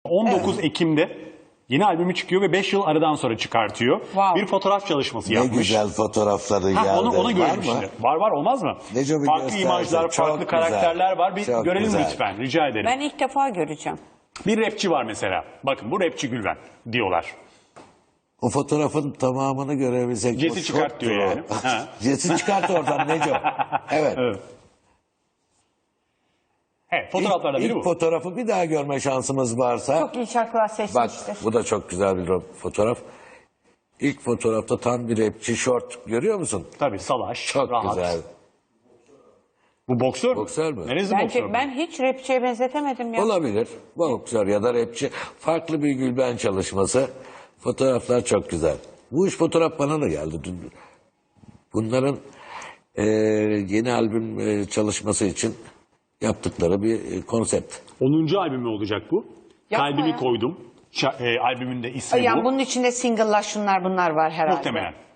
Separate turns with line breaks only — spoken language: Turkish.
19 Ekim'de yeni albümü çıkıyor ve 5 yıl aradan sonra çıkartıyor.
Wow.
Bir fotoğraf çalışması
Ne
yapmış.
güzel fotoğrafları
Ha,
geldi.
onu görelim
Var mı?
şimdi. Var olmaz mı?
Neco bir
Farklı
gösterse.
imajlar,
Çok
farklı
güzel.
karakterler var. Bir
Çok
görelim
güzel.
lütfen. Rica ederim.
Ben ilk defa göreceğim.
Bir rapçi var mesela. Bakın bu rapçi Gülben diyorlar.
O fotoğrafın tamamını görebilsek.
Jesi
o
çıkart
şoktu
diyor
o.
yani. Ha.
Jesi çıkart oradan Neco. Evet.
Evet. Evet, fotoğraflardan biri
İlk
bu.
fotoğrafı bir daha görme şansımız varsa.
Çok iyi şarkılar
Bak
seçmiştir.
bu da çok güzel bir fotoğraf. İlk fotoğrafta tam bir rapçi şort görüyor musun?
Tabii salaş,
Çok
rahat.
güzel.
Bu boksör mü?
Boksör mü?
Neresi boksör mü?
Bence ben hiç rapçiye benzetemedim ya.
Olabilir. Boksör ya da rapçi. Farklı bir Gülben çalışması. Fotoğraflar çok güzel. Bu iş fotoğraf bana da geldi. Bunların yeni albüm çalışması için yaptıkları bir konsept.
10. albümü olacak bu.
Yapma
Kalbimi
ya.
koydum. Albümün de ismi
Yani
bu.
bunun içinde single'lar şunlar bunlar var herhalde.
Muhtemelen.